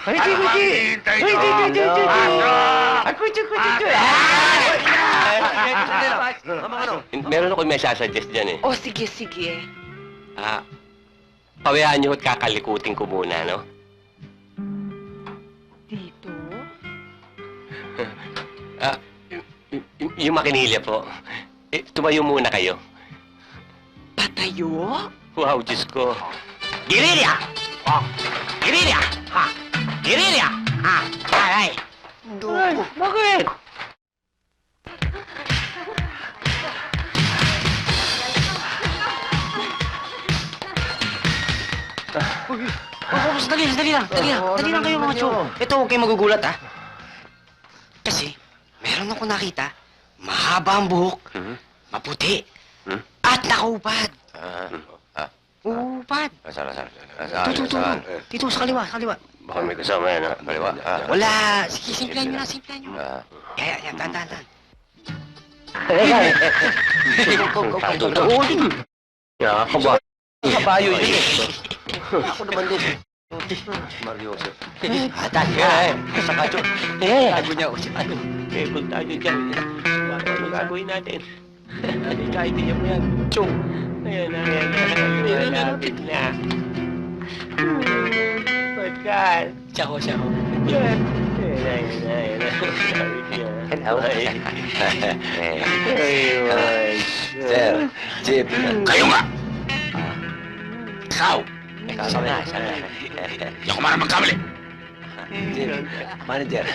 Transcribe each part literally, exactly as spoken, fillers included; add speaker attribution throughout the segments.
Speaker 1: Ay, di, di, di.
Speaker 2: Hintay
Speaker 1: Ay, di, di, di, di, di.
Speaker 2: Pasok!
Speaker 1: Ay, kuya, kuya, kuya.
Speaker 3: Mama, ano? Meron ako may sasuggest dyan eh.
Speaker 4: O, sige, sige.
Speaker 3: Ah, pawayaan niyo at kakalikutin ko muna, no?
Speaker 4: Dito?
Speaker 3: Ah, y- y- yung makinilya po. Eh, tumayo muna kayo.
Speaker 4: Patayo?
Speaker 3: Wow, Diyos ko.
Speaker 1: Girilya! Oh, Girilya! Ha! Girilya! Ha! Ay, ay!
Speaker 3: Ay, bakit?
Speaker 1: Oh, dali, dali lang, dali lang. Dali lang kayo mga chong. Ito, huwag kayong magugulat, ha? Kasi, meron ako nakita, mahaba ang buhok,
Speaker 3: Hmm?
Speaker 1: maputi,
Speaker 3: Hmm?
Speaker 1: at nakaupad.
Speaker 3: Ah, ah,
Speaker 1: Upad.
Speaker 3: saan, saan?
Speaker 1: Dito, dito, dito, sa kaliwa, sa kaliwa.
Speaker 3: Baka may kasama yan, ha? Kaliwa. Ah,
Speaker 1: Wala. Sige, simplahan nyo na, simplahan nyo.
Speaker 3: Ah.
Speaker 1: Kaya, yan, tahan, tahan, tahan.
Speaker 3: Nakakaba.
Speaker 1: Kabayo yun eh.
Speaker 3: Ako naman din. Mario Joseph.
Speaker 1: Ah, tahan ka. Sa kacho. Eh, tago niya ako si ano.
Speaker 3: Eh, kung tayo dyan, wala ko ano gagawin natin. Ano yung kaintindihan mo yan? Chong! Ayan na, ayan na, ayan na, malapit na. Pagkat!
Speaker 1: Siya ko, siya ko.
Speaker 3: Yan! Ayan na, ayan na, ayan na.
Speaker 1: Hello.
Speaker 3: Ay, ay,
Speaker 1: Sir, Chip.
Speaker 2: Kayo nga! Ikaw!
Speaker 1: Ikaw na, siya na.
Speaker 2: Hindi ako marang magkamali.
Speaker 1: Chip, manager.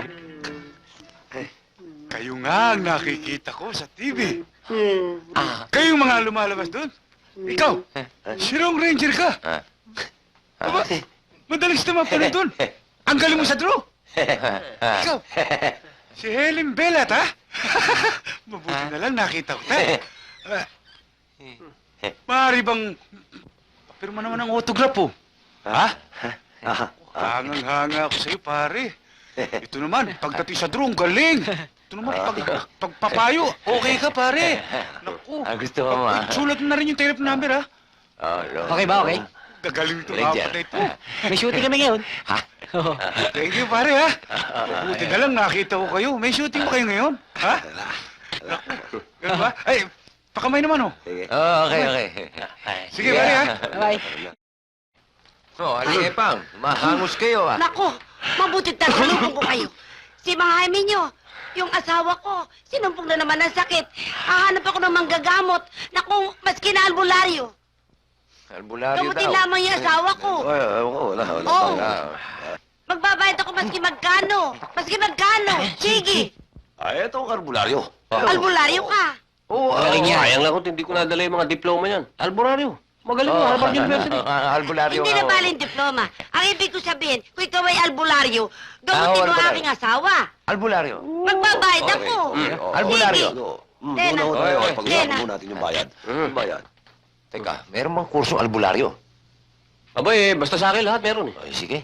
Speaker 2: Kayo nga ang nakikita ko sa T V.
Speaker 1: Ah,
Speaker 2: Kayong mga lumalabas doon. Ikaw, si Rong Ranger ka. Aba, madaling naman pala doon. Ang galing mo sa draw. Ikaw, si Helen Bellat, ha? Mabuti na lang nakita ko tayo. Ah, maaari bang... Papirma naman ang autograph, oh. Ha? Hangang-hanga ako sa'yo, pare. Ito naman, pagdating sa draw, ang galing. Ito naman, pag, pagpapayo, okay ka, pare. Naku.
Speaker 1: Ah, gusto mo, ah.
Speaker 2: Sulat mo na rin yung telephone number, ha?
Speaker 1: Okay ba, okay?
Speaker 2: Nagaling ito,
Speaker 1: Ranger.
Speaker 2: apat na ito.
Speaker 1: May shooting kami ngayon. Ha?
Speaker 2: Thank you, pare, ha? Buti na lang, nakita ko kayo. May shooting mo kayo ngayon, ha? Naku, ganun ba? Ay, pakamay naman, oh.
Speaker 1: Oh, okay, okay.
Speaker 2: Sige, pare, ha?
Speaker 1: Bye.
Speaker 5: Oh, halika pang. Mahangos kayo, ah.
Speaker 6: Nako, mabuti tagalubong ko kayo. Si Mahami nyo, yung asawa ko, sinumpong na naman ng sakit. Hahanap ako ng manggagamot. Naku, maski na albularyo.
Speaker 5: Albularyo
Speaker 6: Gamutin
Speaker 5: daw.
Speaker 6: lamang yung asawa ko.
Speaker 5: Ay, ewan ko, wala, wala.
Speaker 6: Oo.
Speaker 5: wala.
Speaker 6: Magbabayad ako maski magkano. Maski magkano. Sige,
Speaker 5: Ay, ito ang albularyo.
Speaker 6: albularyo ka.
Speaker 5: Oo, ah,
Speaker 3: Galing
Speaker 5: oo.
Speaker 3: niya. Sayang lang kung hindi ko nadala yung mga diploma niyan. Alboraryo. Magaling mo,
Speaker 5: Oh,
Speaker 3: Harvard University.
Speaker 5: ah, albularyo
Speaker 6: Hindi
Speaker 5: nga,
Speaker 6: na
Speaker 5: oh.
Speaker 6: baling diploma. Ang ibig ko sabihin, kung ikaw ay albularyo, gamutin
Speaker 5: Ah,
Speaker 6: mo ang
Speaker 5: albularyo.
Speaker 6: aking asawa.
Speaker 5: Albularyo.
Speaker 6: Magbabayad
Speaker 5: Okay.
Speaker 6: ako.
Speaker 5: Mm,
Speaker 6: Sige.
Speaker 5: albularyo.
Speaker 6: Mm, Tena.
Speaker 5: Doon tayo.
Speaker 6: Tena.
Speaker 5: Pag-usapan muna natin yung bayad.
Speaker 3: Mm.
Speaker 5: Yung bayad. Teka, meron bang kursong albularyo?
Speaker 3: Aba eh, basta sa akin lahat meron eh.
Speaker 5: Ay, sige.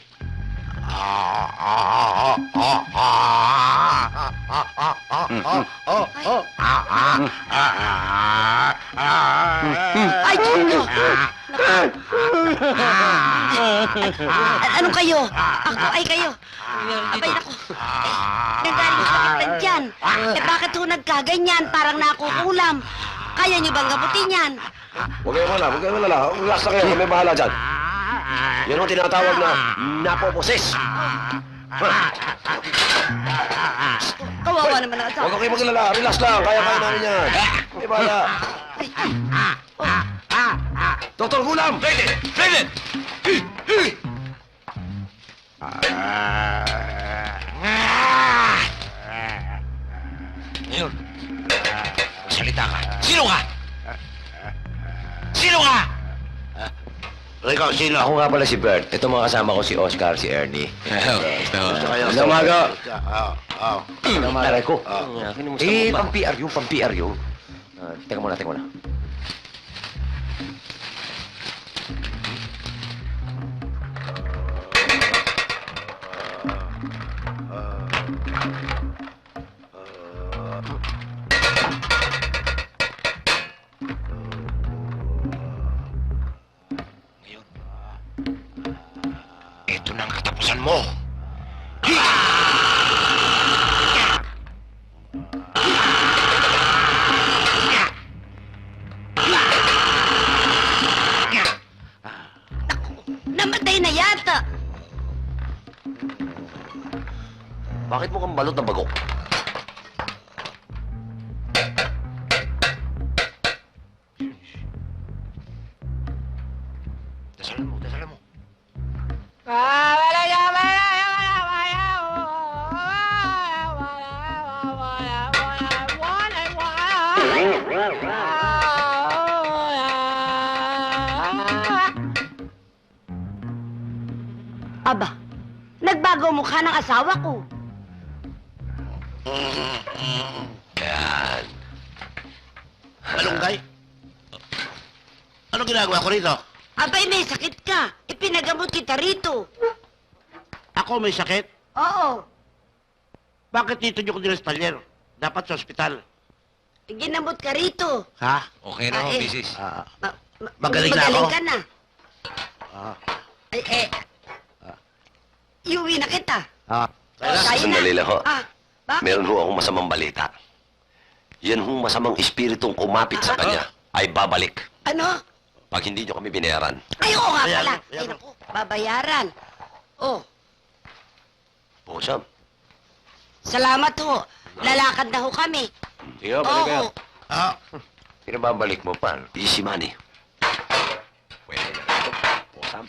Speaker 6: Ay, Diyos ko! A- Ano kayo? Ako ay kayo. Abay, naku. Eh, nagaling sa sakit dyan. Eh, bakit ho nagkaganyan? Parang nakukulam. Kaya niyo bang gamutin yan?
Speaker 5: Huwag kayo malala, huwag kayo malala. Relax na kayo, kami bahala dyan. Yan ang tinatawag na napoposes.
Speaker 6: Kawawa naman ang asawa.
Speaker 5: Huwag kayo maglala, relax lang. Kaya-kaya namin yan. Kami bahala. Doktor Gulam!
Speaker 2: Ready! Ready!
Speaker 1: Ngayon, salita ka. Sino ka? Sino ka?
Speaker 5: Ikaw, sino? Ako nga pala si Bert. Ito mga kasama ko si Oscar, si Ernie. Magandang umaga. Magandang umaga. Aray ko.
Speaker 3: Ah, kinumusta
Speaker 5: Eh,
Speaker 3: mo ba?
Speaker 5: pang-P R yun, pang-P R yun. Ah, teka muna, teka muna.
Speaker 1: Ito na ang katapusan
Speaker 5: tandaan mo.
Speaker 6: Namatay na yata.
Speaker 5: Bakit mo kang balot ng bago? Dasalan mo, dasalan mo.
Speaker 6: Aba, nagbago ang mukha ng asawa ko.
Speaker 5: Yan. Malunggay? Ano ginagawa ko rito?
Speaker 6: Abay, may sakit ka. Ipinagamot kita rito.
Speaker 5: Ako may sakit?
Speaker 6: Oo.
Speaker 5: Bakit dito niyo ko dinespalyer? Dapat sa ospital.
Speaker 6: Ginamot ka rito.
Speaker 5: Ha?
Speaker 3: Okay
Speaker 6: na ho,
Speaker 3: misis.
Speaker 5: Ah,
Speaker 6: Ma- ma-
Speaker 5: Magaling na
Speaker 6: magaling
Speaker 5: ako?
Speaker 6: ka na.
Speaker 5: ah,
Speaker 6: Ay, eh, iuwi na kita.
Speaker 5: ah.
Speaker 6: Tayo na.
Speaker 5: Sandali lang ho.
Speaker 6: Ah, bakit?
Speaker 5: Meron ho akong masamang balita. Yan hong masamang espiritong kumapit sa kanya ay babalik
Speaker 6: Ano?
Speaker 5: pag hindi niyo kami binayaran.
Speaker 6: Ay, oo nga
Speaker 5: Ayan,
Speaker 6: pala.
Speaker 5: ayan.
Speaker 6: Ay, naku, babayaran. Oh,
Speaker 5: Pusam.
Speaker 6: salamat ho. Lalakad na ho kami.
Speaker 3: Sige,
Speaker 6: Oo.
Speaker 5: Ah,
Speaker 3: Pinababalik mo pa.
Speaker 5: easy money.
Speaker 3: Pwede na ito. Pusam.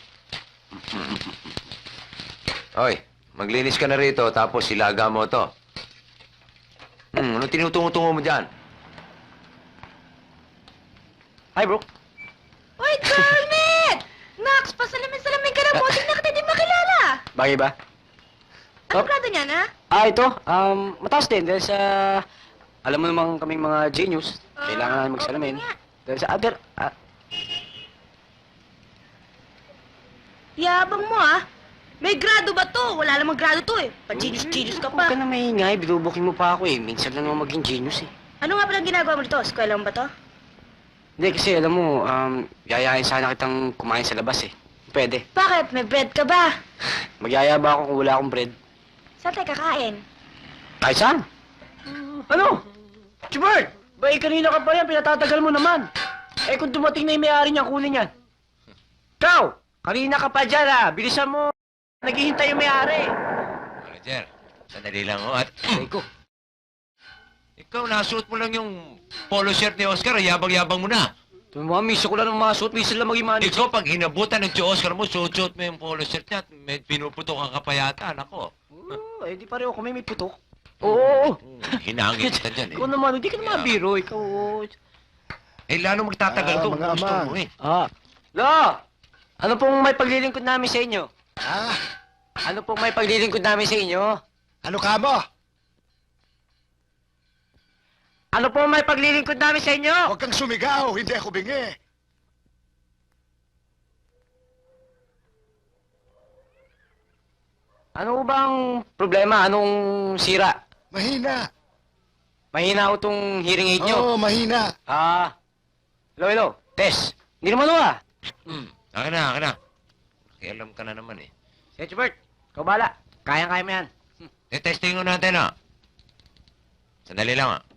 Speaker 3: Oy, maglinis ka na rito, tapos ilaga mo to. Hmm, ano tinutungo-tungo mo dyan? Hi, bro.
Speaker 4: Uy, Kermit! Max, pasalamin-salamin ka na mo. Tingnan kita di makilala.
Speaker 1: Bagay ba?
Speaker 4: Ano grado niya, na?
Speaker 1: Ah, ito. Um, mataas din dahil sa... Alam mo naman kaming mga genius. Kailangan namin magsalamin.
Speaker 4: oo nga.
Speaker 1: Dahil sa other... Ah,
Speaker 4: Yabang mo, ah. May grado ba to? Wala namang grado to, eh. Pa-genius-genius ka
Speaker 1: huwag ka
Speaker 4: pa.
Speaker 1: na maingay. Binubukin mo pa ako eh. Minsan lang naman maging genius eh.
Speaker 4: Ano nga pala ginagawa mo dito? Eskwela mo ba to?
Speaker 1: Hindi kasi alam mo, um, yayain sana kitang kumain sa labas eh. Pwede.
Speaker 4: Bakit? May bread ka ba?
Speaker 1: Magyaya ba ako kung wala akong bread?
Speaker 4: Saan tayo kakain?
Speaker 1: Kahit saan? Ano? Chibert! Ba eh, kanina ka pa yan, pinatatagal mo naman. Eh kung dumating na yung may-ari niya, kunin yan. Ikaw! Kanina ka pa dyan ah! Bilisan mo! Naghihintay yung may-ari.
Speaker 3: Manager, sandali lang ho. At
Speaker 1: Ay ko.
Speaker 3: ikaw, nasuot mo lang yung polo shirt ni Oscar, yabang-yabang mo na.
Speaker 1: Ito mga miso ko lang ng mga suot, miso lang maging manager.
Speaker 3: Ikaw, pag hinabutan ng si Oscar mo, suot-suot mo yung polo shirt niya at may pinuputok ang kapayata, nako.
Speaker 1: Oo, eh di pareho kami may putok. Oo, oo.
Speaker 3: Hinangin kita dyan eh.
Speaker 1: Ikaw naman, hindi ka naman
Speaker 3: Yeah.
Speaker 1: biro. Ikaw, oo.
Speaker 3: Eh, lalo magtatagal
Speaker 2: Ah,
Speaker 3: to.
Speaker 2: mga
Speaker 3: Gusto
Speaker 2: amang.
Speaker 3: mo eh.
Speaker 1: Ah. Lo! Ano pong may paglilingkod namin sa inyo?
Speaker 2: Ah,
Speaker 1: Ano pong may paglilingkod namin sa inyo?
Speaker 2: ano ka mo?
Speaker 1: Ano pong may paglilingkod namin sa inyo?
Speaker 2: Huwag kang sumigaw, hindi ako bingi.
Speaker 1: Ano bang problema? Anong sira?
Speaker 2: Mahina.
Speaker 1: Mahina ko tong hearing aid nyo.
Speaker 2: Oo, mahina.
Speaker 1: Ah. Hello, hello. Tess. Hindi naman ako ah.
Speaker 3: Hmm. Akin na, akin na. Nakialam ka na naman eh.
Speaker 1: Si Chibert, ikaw bahala. Kayang-kaya mo yan.
Speaker 3: Eh, testing ko natin ah. Sandali lang ah.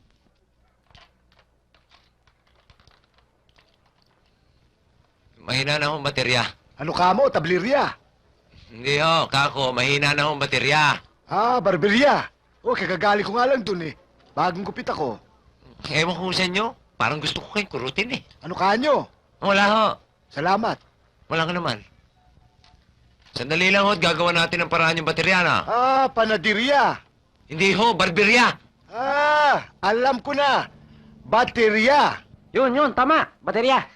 Speaker 3: Mahina na akong baterya.
Speaker 2: Ano ka mo, tablirya?
Speaker 3: Hindi ho, kako, mahina na akong baterya.
Speaker 2: Ah, barberya. Oh, kagagaling ko nga lang dun eh. Bagong gupit ako.
Speaker 3: Ewan ko sa inyo, parang gusto ko kayong kurutin eh.
Speaker 2: Ano ka nyo?
Speaker 3: Wala ho,
Speaker 2: Salamat.
Speaker 3: wala ka naman. Sandali lang ho, at gagawa natin ng paraan yung baterya na.
Speaker 2: Ah, panadirya.
Speaker 3: Hindi ho, barberya.
Speaker 2: Ah, alam ko na. Baterya.
Speaker 1: Yun, yun. Tama. Baterya.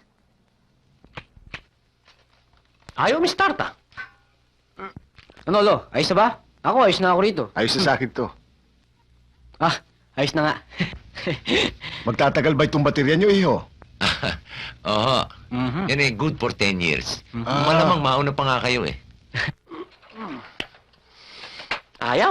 Speaker 1: Ayaw mi start ah. Ano, Lo? Ayos na ba? Ako, ayos na ako rito.
Speaker 2: Ayos na sa akin to.
Speaker 1: Ah, ayos na nga.
Speaker 2: Magtatagal ba itong baterya nyo, iho?
Speaker 3: Oho,
Speaker 1: Mhm.
Speaker 3: yan eh, good for ten years.
Speaker 2: Ah.
Speaker 3: Malamang mauna pa nga kayo eh.
Speaker 1: Ayaw.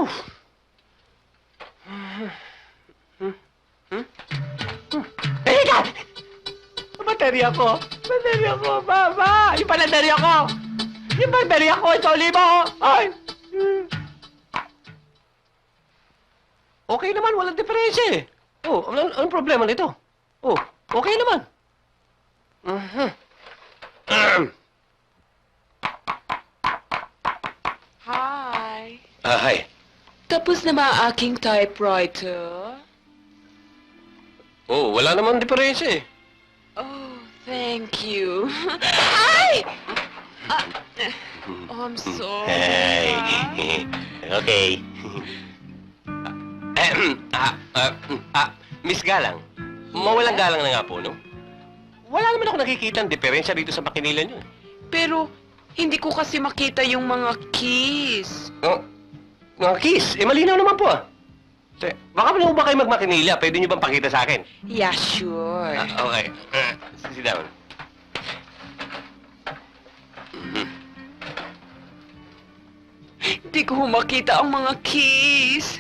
Speaker 1: Teka! Baterya ko! Baterya ko, Baba! Yung baterya ko! Yung baterya ko, ito, lima! Ay!
Speaker 3: Okay naman, walang diferensya eh. Oh, anong, anong problema nito? Oh, okay naman. Mhm.
Speaker 4: Hi.
Speaker 3: Ah, hi.
Speaker 4: Tapos na ba ang aking typewriter?
Speaker 3: Oh, wala naman diferensya eh.
Speaker 4: Oh, thank you. Ay! Ah, oh, I'm sorry.
Speaker 3: Hey.
Speaker 4: ah.
Speaker 3: Okay. Ahem. ah, ah, ah, Miss Galang, mawalang galang na nga po, no? Wala naman ako nakikita ang diferensya dito sa makinila niyo.
Speaker 4: Pero, hindi ko kasi makita yung mga keys.
Speaker 3: Oh, mga kiss, eh malinaw naman po ah. Te, baka pala ba kayo magmakinila? Pwede niyo bang pakita sa akin?
Speaker 4: Yeah, sure.
Speaker 3: Ah, okay. Uh, sit down.
Speaker 4: Hindi ko makita ang mga keys.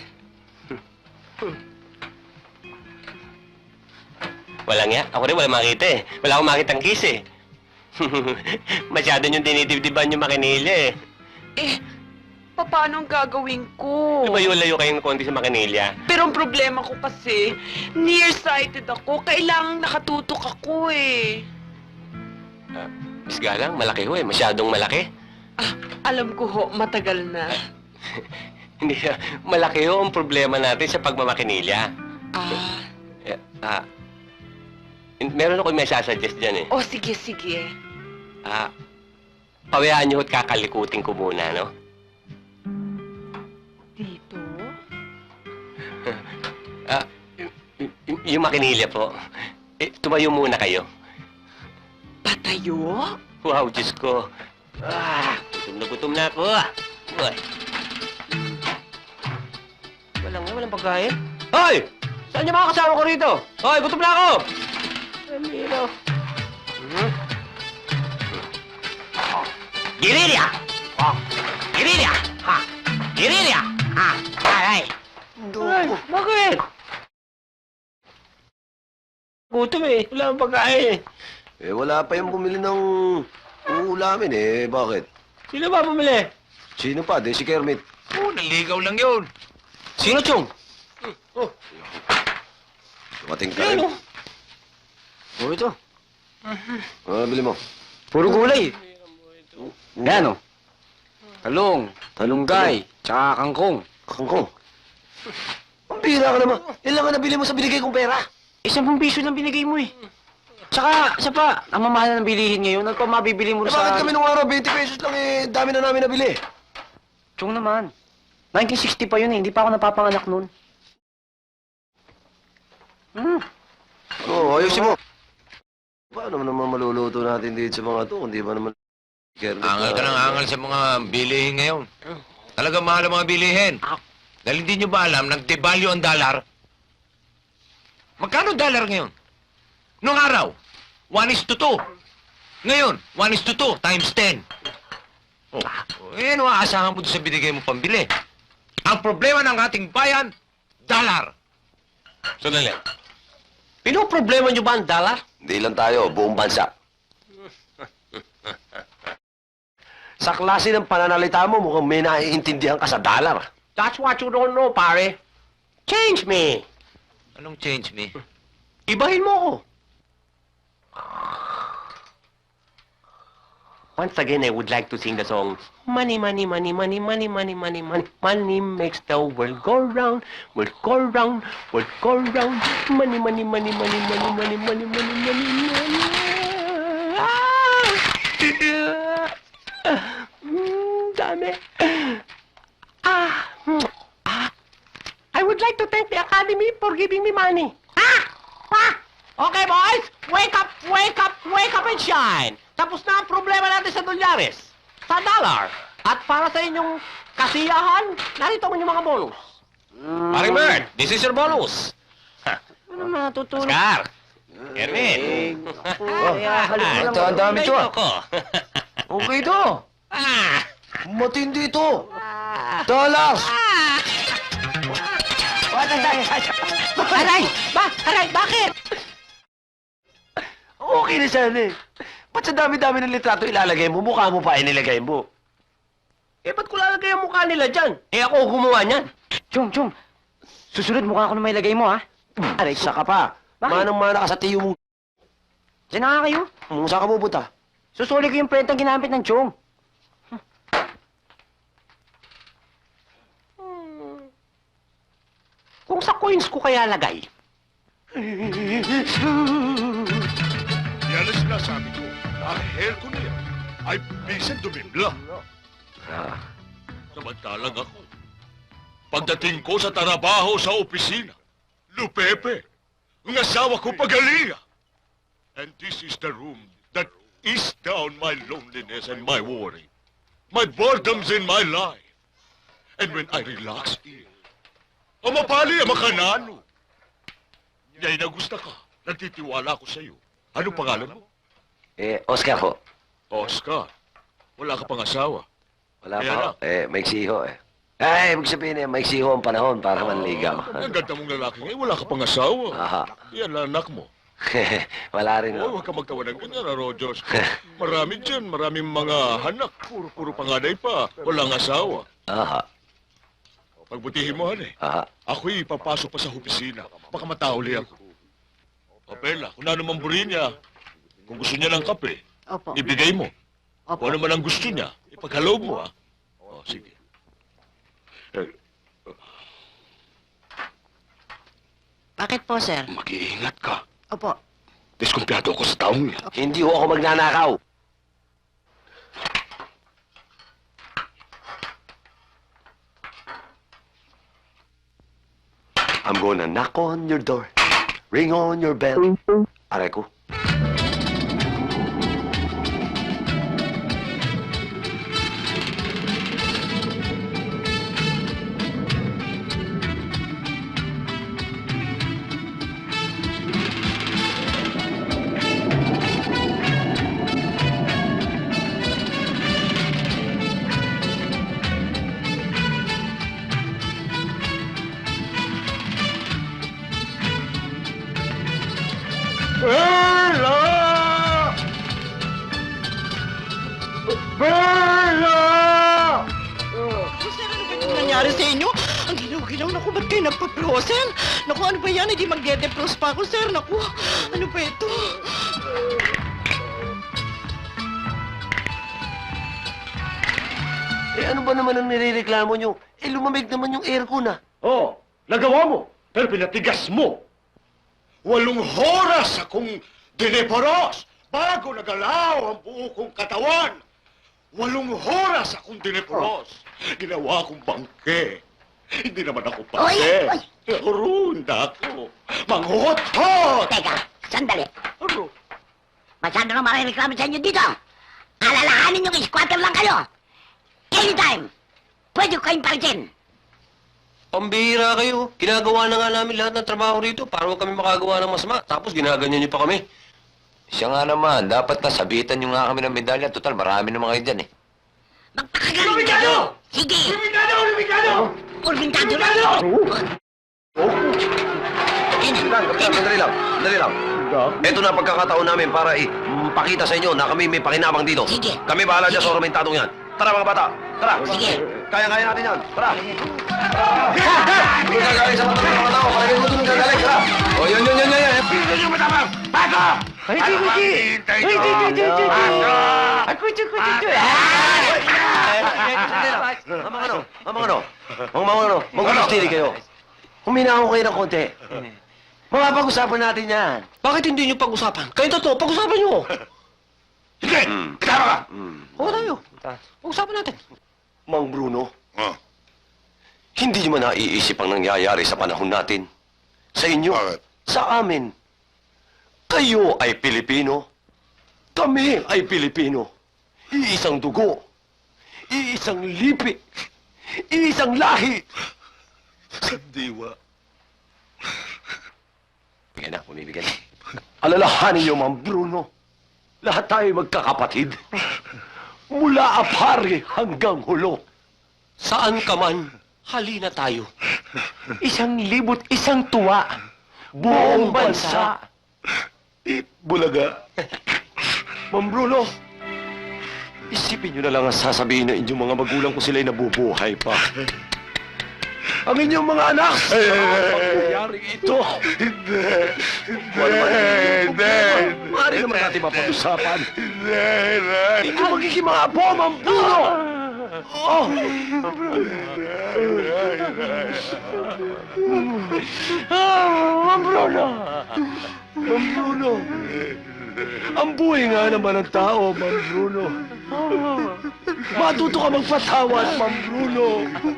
Speaker 3: Wala nga. Ako rin wala makita eh. Wala akong makita ang kiss eh. Masyado niyong dinidibdiban yung makinilya eh.
Speaker 4: Eh, paano ang gagawin ko?
Speaker 3: Lumayo-layo kayong konti sa makinilya.
Speaker 4: Pero ang problema ko kasi, nearsighted ako. Kailangang nakatutok ako eh.
Speaker 3: Ah, Miss Galang, malaki ho eh. Masyadong malaki.
Speaker 4: Ah, alam ko ho, matagal na.
Speaker 3: Hindi, ah, malaki ho ang problema natin sa pagmamakinilya.
Speaker 4: Ah,
Speaker 3: Eh, ah, meron ako may sasuggest dyan eh.
Speaker 4: oh sige, sige.
Speaker 3: Ah, pawayaan niyo at kakalikutin ko muna, no?
Speaker 4: Dito?
Speaker 3: Ah, y- y- yung makinilya po. Eh, tumayo muna kayo.
Speaker 4: Patayo?
Speaker 3: Wow, Diyos ko. Ah, gutom na gutom na ako. Uy. Walang nga, walang pagkain. Hoy! Saan niyo mga kasama ko rito? Hoy, gutom na ako! Ramiro. Hmm? Girilya! Oh, Girilya! Ha! Girilya! Ha! Aray! Ay, bakit? Gutom eh. Wala akong pagkain.
Speaker 5: Eh, wala pa yung bumili ng uulamin eh. Bakit?
Speaker 3: Sino ba bumili?
Speaker 5: Sino pa? Di si Kermit.
Speaker 2: Oh, naligaw lang yun.
Speaker 3: Sino, Chong?
Speaker 5: Dumating ka
Speaker 3: Sino?
Speaker 5: rin. Oh, ito. Ah, bili mo.
Speaker 1: Puro gulay. Yan, oh. Talong, talunggay, tsaka kangkong.
Speaker 5: Kangkong. Ang bira ka naman. Ilan ka nabili mo sa binigay kong pera?
Speaker 1: Isang piso lang binigay mo eh. Tsaka, isa pa, ang mamahal ng bilihin ngayon, ano pa mabibili mo
Speaker 5: Eh,
Speaker 1: sa...
Speaker 5: bakit kami nung araw, twenty pesos lang eh. Dami na namin nabili.
Speaker 1: Chong naman. nineteen sixty pa yun eh, hindi pa ako napapanganak nun. Hmm.
Speaker 5: Oo, oh, ayusin mo. Paano naman maluluto natin dito sa mga to? Hindi ba naman... Kermit
Speaker 7: Angal ka ng angal sa mga bilihin ngayon. Talaga mahal ang mga bilihin. Dahil hindi nyo ba alam, nag-devalue ang dollar? Magkano dollar ngayon? Noong araw, one is to two. Ngayon, one is to two times ten. Oh, eh, ano aasahan mo doon sa binigay mo pambili? Ang problema ng ating bayan, dollar.
Speaker 3: Sandali. Pinoproblema niyo ba ang dollar?
Speaker 5: Hindi lang tayo, buong bansa. Sa klase ng pananalita mo, mukhang may naiintindihan ka sa dollar.
Speaker 3: That's what you don't know, pare. Change me.
Speaker 7: Anong change me?
Speaker 3: Ibahin mo ko. Once again, I would like to sing the song, Money, money, money, money, money, money, money, money, money makes the world go round, world go round, world go round. Money, money, money, money, money, money, money, money, money, money. Ah! Mm, dami. Ah, mm, ah. I would like to thank the Academy for giving me money. Ah! Ah! Okay, boys! Wake up, wake up, wake up and shine! Tapos na ang problema natin sa dolyares, sa dollar. At para sa inyong kasiyahan, narito mo yung mga bonus. Paring Bert, this is your bonus.
Speaker 1: Ano naman natutulog?
Speaker 3: Oscar! Erwin!
Speaker 1: Kaya halip ko lang.
Speaker 5: Ito, ang dami ito, ah.
Speaker 3: Ko.
Speaker 5: Okay to.
Speaker 3: Ah!
Speaker 5: Matindi to. Dollars.
Speaker 3: Aray! Ba? Aray, bakit?
Speaker 5: Okay na sana eh. Ba't sa dami-dami ng litrato ilalagay mo, mukha mo pa inilagay mo?
Speaker 3: Eh, ba't ko lalagay ang mukha nila dyan? Eh, ako gumawa niyan.
Speaker 1: Chong, Chong. Susunod, mukha ako na may lagay mo, ha? Aray ko.
Speaker 5: Saka pa.
Speaker 1: Bakit?
Speaker 5: Manang-mana ka sa tiyo mo.
Speaker 1: Diyan na nga kayo.
Speaker 5: Hmm, saan ka pupunta?
Speaker 1: Susuli ko yung prentang ginamit ng Chong.
Speaker 3: Kung sa coins ko kaya lagay.
Speaker 2: Yan ang sinasabi ko. Ang hair ko na yan ay bisan dumimla. Samantalang ako, pagdating ko sa trabaho sa opisina, Lupepe, ang asawa ko pagalinga. And this is the room that is down my loneliness and my worry, my boredoms in my life. And when I relax here, ang mapali ang makanano. Ngayong na gusto ka, nagtitiwala ko sa iyo. Ano pangalan mo?
Speaker 5: Eh, Oscar ho.
Speaker 2: Oscar. Wala ka pang asawa.
Speaker 5: Wala
Speaker 2: Kaya
Speaker 5: pa ho.
Speaker 2: na.
Speaker 5: Eh, maiksi ho eh. Ay, ibig sabihin eh, maiksi ho ang panahon para manligaw.
Speaker 2: Ah, ang ganda mong lalaki ngayon, wala ka pang asawa.
Speaker 5: Aha.
Speaker 2: Yan ang anak mo.
Speaker 5: Wala rin
Speaker 2: Oh,
Speaker 5: ho.
Speaker 2: huwag ka magtawa ng ganyan, ah, Rogers. Marami dyan, maraming mga hanak. Puro-puro panganay pa. Walang asawa.
Speaker 5: Aha.
Speaker 2: Pagbutihin mo, han eh.
Speaker 5: Aha.
Speaker 2: Ako'y papasok pa sa opisina. Baka matauli ako. Papela, kung ano man buri niya, kung gusto niya ng kape,
Speaker 6: Opo.
Speaker 2: ibigay mo.
Speaker 6: Opo.
Speaker 2: Kung ano man ang gusto niya, ipaghalog mo, ah. O, sige. Eh,
Speaker 6: Bakit po, sir?
Speaker 2: mag-iingat ka.
Speaker 6: Opo.
Speaker 2: Diskumpiyado ako sa taong yan.
Speaker 5: Hindi ho ako magnanakaw. I'm gonna knock on your door, ring on your bell. Aray ko.
Speaker 2: Bella! Bella!
Speaker 8: Sir, ano ba itong nangyari sa inyo? Ang ginaw-ginaw, naku, ba't kayo nagpa-frozen? Naku, ano ba yan? Hindi magde-defrost pa ako, sir. Naku, ano ba ito?
Speaker 5: Eh ano ba naman ang nirereklamo nyo? Eh lumamig naman yung aircon ah.
Speaker 2: Oh, nagawa mo, pero pinatigas mo. Walong horas akong dineporos bago nagalaw ang buo kong katawan. Walong horas akong dineporos. Ginawa akong bangke. Hindi naman ako
Speaker 6: Oy,
Speaker 2: pase.
Speaker 6: oy.
Speaker 2: Runda ako. Manghuhot-hot!
Speaker 6: Teka, sandali.
Speaker 2: Ano?
Speaker 6: Masyado nang marireklamo sa inyo dito. Alalahanin yung squatter lang kayo. Anytime, pwede ko kayong palitin.
Speaker 7: Pambihira kayo. Ginagawa na nga namin lahat ng trabaho rito para huwag kami makagawa ng masama. Tapos ginaganyan niyo pa kami.
Speaker 5: Siya nga naman, dapat nasabitan nyo nga kami ng medalya. Total, marami naman kayo dyan eh.
Speaker 6: Magpakagaling kayo! Sige!
Speaker 2: Lumikado! Lumikado!
Speaker 6: Urbintado lang!
Speaker 5: Kapitan, sandali lang, sandali lang. Ito na pagkakataon namin para ipakita sa inyo na kami may pakinabang dito.
Speaker 6: Sige.
Speaker 5: Kami bahala dyan sa ornamentadong yan. Tara mga bata, tara.
Speaker 6: Sige.
Speaker 5: Kaya-kaya natin yan, tara. Kung gagaling sa mga mga tao, palagay mo doon gagaling, tara. O, yun, yun, yun, yun, yun.
Speaker 2: Hindi nyo matapang! Bago!
Speaker 1: Ay, di, di, di.
Speaker 2: Hintay
Speaker 1: Ay, di, di, di, di, di.
Speaker 2: Bago!
Speaker 1: Ay, kuchu, kuchu, kuchu.
Speaker 5: Sandali lang. Mamang ano, mamang ano, mamang ano, mag-ulustiri kayo. Huminahon kayo ng konti. Mapapag-usapan natin yan.
Speaker 3: Bakit hindi niyo pag-usapan? Kayo totoo, pag-usapan niyo.
Speaker 2: Hindi! Tama ka!
Speaker 3: Oo tayo. Pag-usapan natin.
Speaker 5: Mang Bruno,
Speaker 2: Oh,
Speaker 5: hindi nyo man naiisip ang nangyayari sa panahon natin. Sa inyo,
Speaker 2: Bakit?
Speaker 5: sa amin. Kayo ay Pilipino. Kami ay Pilipino. Iisang dugo. Iisang lipi. Iisang lahi.
Speaker 2: sandiwa.
Speaker 5: Bigyan na, bumibigyan na. Alalahanin niyo, Mang Bruno. Lahat tayo magkakapatid. Mula apari hanggang hulo.
Speaker 3: Saan ka man, halina tayo.
Speaker 5: Isang libot, isang tuwa. Buong bansa.
Speaker 2: Bulaga.
Speaker 5: Mang Bruno, isipin niyo na lang ang sasabihin ng inyong mga magulang kung sila'y nabubuhay pa.
Speaker 3: ang inyong mga anak. Nangyari ito.
Speaker 5: Hindi.
Speaker 3: Wala naman
Speaker 5: Hindi.
Speaker 3: Maaari naman natin mapag-usapan.
Speaker 5: Hindi.
Speaker 3: Ito magiging mga apo, mambuno! Oh! Ah, Ma'am Bruno! Ma'am Bruno! Ang buhay nga naman ng tao, Ma'am Bruno. Matuto ka magpatawad, Ma'am Bruno.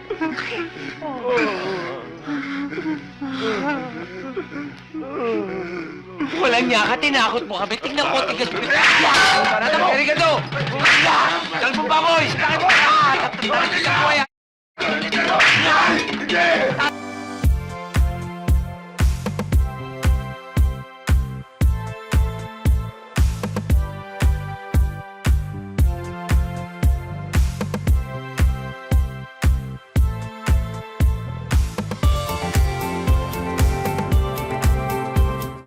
Speaker 7: Walang niya ka, tinakot mo kami. Tingnan ko, tigas mo. Parada mo, erigado! Talbong baboy! Bakit mo? Bakit mo yan?